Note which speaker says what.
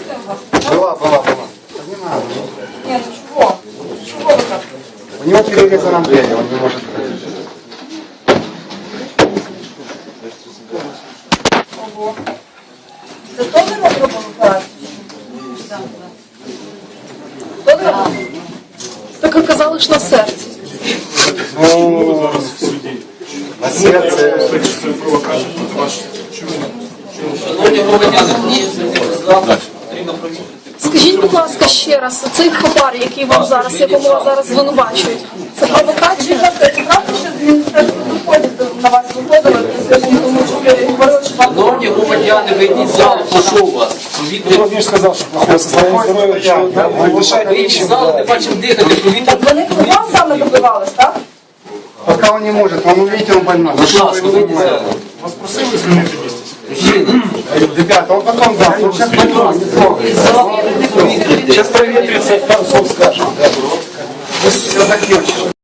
Speaker 1: инфекция у вас?
Speaker 2: Была. Не надо.
Speaker 1: Нет, ну чего? Чего вы так?
Speaker 2: У него перерезана дверь, он не может ходить.
Speaker 1: Ого. Це теж не зробили операцію? Хто не робив?
Speaker 3: Так оказалось, що на серці.
Speaker 2: Ну, на серце.
Speaker 4: Шановні громадяни, потрібно провірити.
Speaker 3: Скажіть, будь ласка, ще раз, цей хабар, який вам зараз, якому вас зараз звинувачують, це провокація?
Speaker 1: Це правда, що з Міністерства доходів на вас виходили, тому що ви говорили, що вам...
Speaker 4: Шановні громадяни, вийдіть з залу, прошу вас.
Speaker 5: Владимир сказал, что плохое состояние здоровья, что дышать
Speaker 4: Вийдіть з залу, не бачимо дихати, повітря.
Speaker 1: Вони вам саме добивались, так?
Speaker 2: Пока он не может, он увидите, он больной.
Speaker 4: Будь ласка, вийдіть з залу.
Speaker 5: Вас просили звільнити місце?
Speaker 4: Мужчина,
Speaker 2: Ребята, он потом даст, он сейчас больной, не трогай.
Speaker 4: з залу, повітря.
Speaker 5: Сейчас проветрится, пару слов скажем.
Speaker 2: Все закончилось.